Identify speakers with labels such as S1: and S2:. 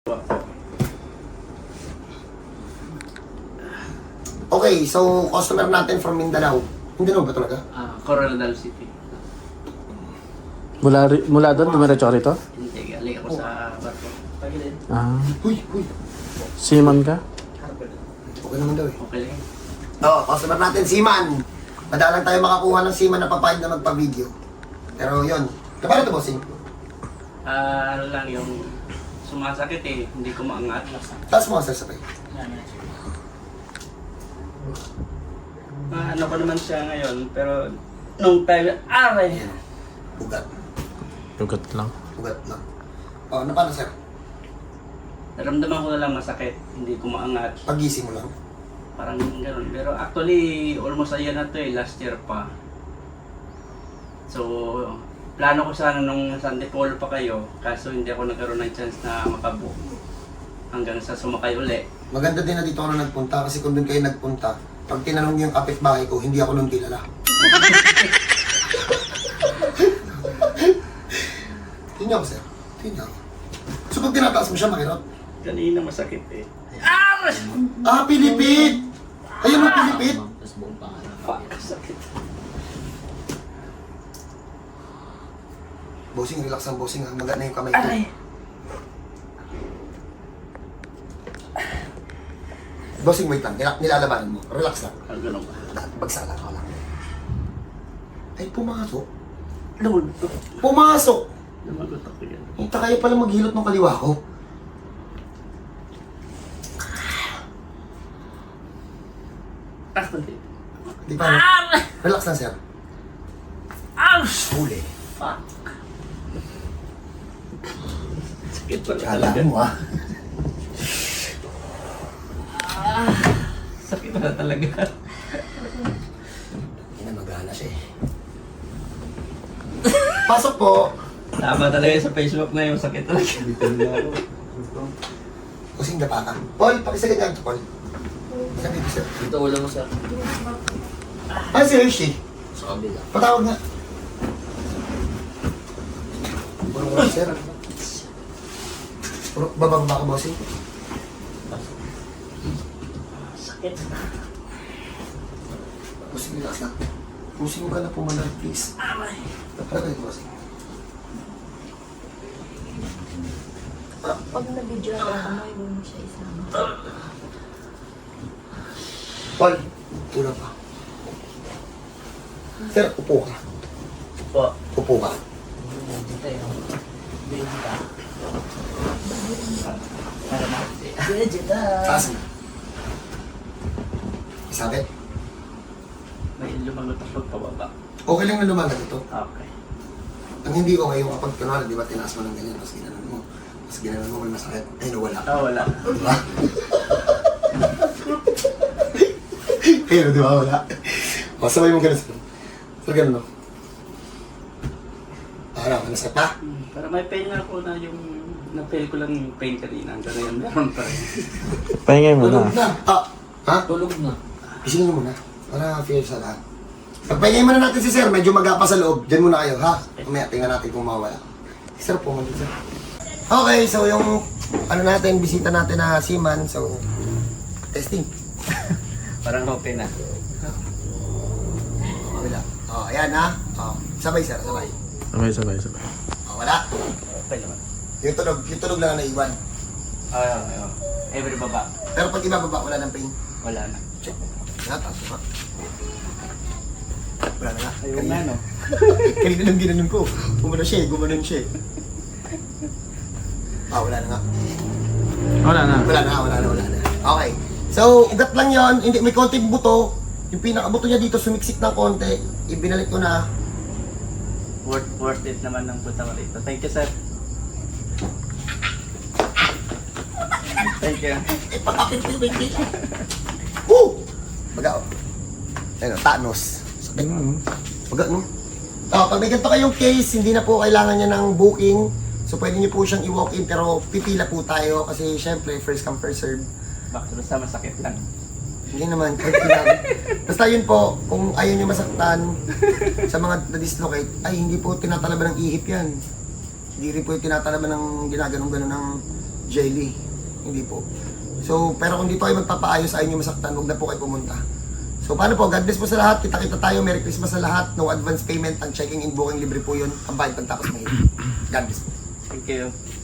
S1: Okay, so customer natin from Mindanao. Mindanao ba talaga?
S2: Coronadal City.
S3: Mula doon, dumiretso ka rito?
S2: Hindi, galing ako sa barko. Pagilid.
S1: Huy!
S3: Seaman ka?
S1: Okay naman daw eh.
S2: Okay lang.
S1: Customer natin, Seaman. Madalang tayo makakuha ng Seaman na papayag na magpa-video. Pero yun. Kapano ito, bossing?
S2: Ano lang yung sumasakit eh, hindi ko maangat.
S1: Taas mo ang sabay.
S2: Ano pa naman siya ngayon, pero nung time, aray!
S1: Ugat.
S3: Lugat lang.
S1: Ugat lang. Ano pa na, sir?
S2: Naramdaman ko na lang masakit, hindi ko maangat.
S1: Pagising mo lang.
S2: Parang gano'n. Pero actually, almost a year na to eh, last year pa. So, plano ko sana nung Sunday Polo pa kayo, kaso hindi ako nagkaroon ng chance na makabook hanggang sa sumakay uli.
S1: Maganda din na dito ako na nagpunta kasi kung doon kayo nagpunta, pag tinanong niyo yung kapitbahay ko, hindi ako nung kilala. Tingnan ako, sir. Tingnan ako. So pag tinataas mo siya, makirot?
S2: Kanina masakit eh.
S1: Pilipit! Ayun ang pilipit!
S2: Fuck, sakit.
S1: Bossing, relax ang bossing ha. Magat na yung kamay ko.
S2: Aray!
S1: Bossing, wait lang. Nilalabanan mo. Relax lang.
S2: Ganun ba?
S1: Bagsala ka lang. Ay, pumasok.
S2: Lumagot.
S1: Pumasok!
S2: Lumagot ako yan.
S1: Hinta kayo pala maghilot ng kaliwa ko.
S2: Actually.
S1: Di pa. Relax lang, sir.
S2: Ouch!
S1: Huli.
S2: Fuck. Sakit pala
S1: Kala
S2: talaga.
S1: mo ha.
S2: Sakit pala talaga.
S1: Hindi na magana siya eh. Pasok po!
S2: Tama talaga sa Facebook na yung sakit talaga.
S1: Kusing dapa ka. Paul, pakisagad nga ito, Paul. Sabi ko, sir.
S4: Ito wala mo sir.
S1: Ah, si Hershey.
S4: Sa kabila.
S1: Patawag nga. Puro sir. Bababa ka, bossing.
S2: Sakit.
S1: Bossing, relax lang. Bossing ka na pumalag, please.
S2: Aray.
S1: Harap kayo, bossing.
S5: Pag na-video ako, kamay mo siya isama.
S1: Paul, tulad pa. Sir, upo ka.
S2: Po.
S1: Upo ka. Taas mo. Isabit.
S2: May lumagot ako pababa.
S1: Okay lang na lumalag ito.
S2: Okay.
S1: Ang hindi okay yung kapag kunwari, di ba, tinaas mo ng ganyan, tapos ginanon mo. Tapos ginanon mo, may masakit. Ay, nawala.
S2: Wala.
S1: Diba? Ayun, di ba? Wala. O, sabay mo ganun. So, ganun, no? Ano, nasakit pa?
S2: Pero may pain nga ako na yung na-fail ko lang yung pain kanina. Hanggang ngayon meron pa rin.
S3: Pahingay mo
S4: Tulog
S3: na.
S4: na.
S1: Ha?
S4: Tulog na.
S1: Isingin mo muna. Para feel sa lahat. Pagpahingay muna natin si sir, medyo magapa sa loob. Diyan muna kayo, ha? Mamaya, tingnan natin kung mawala. Sir po, mag sir. Okay, so yung ano natin, bisita natin na Seaman. So, testing.
S2: Parang okay na.
S1: Wala. Oh, ayan ha. Oh, sabay sir, sabay.
S3: Sabay.
S1: Oh, wala.
S2: Okay naman.
S1: Yung tunog lang na naiwan.
S2: Ayun. Every baba.
S1: Pero pag ibababa, wala ng pain.
S2: Wala na.
S1: Check. Taas mo. Wala na nga.
S2: Ayun nga no.
S1: Kanina lang ginanon ko. Gumanon siya. Wala na nga.
S3: Wala na.
S1: Wala na. Okay. So, ugat lang yon. Hindi, may konting buto. Yung pinakabuto niya dito, sumiksik ng konti. Ibinalik ko na.
S2: Worth it naman ng punta mo rito. Thank you, sir. Thank you.
S1: Baga, oh. Ayun, Thanos. Sakit. Baga, no? Pag may ganito kayong case, hindi na po kailangan niya ng booking. So, pwede niyo po siyang i-walk-in, pero pipila po tayo kasi syempre, first come, first serve.
S2: Basta masakit lang.
S1: Hindi naman, kahit kailangan. Basta yun po, kung ayaw niyo masaktan sa mga na-dislocate, ay hindi po tinatalaban ng ihip yan. Hindi rin po yung tinatalaban ng ginaganong-ganon ng jelly. Hindi po. So, pero kung dito kayo magpapaayos, ayaw nyo masaktan, huwag na po kayo pumunta. So, paano po? God bless po sa lahat. Kita-kita tayo. Merry Christmas sa lahat. No advance payment. Ang checking in booking libre po yun. Ang bayad pagtapos mahirap. God bless po.
S2: Thank you.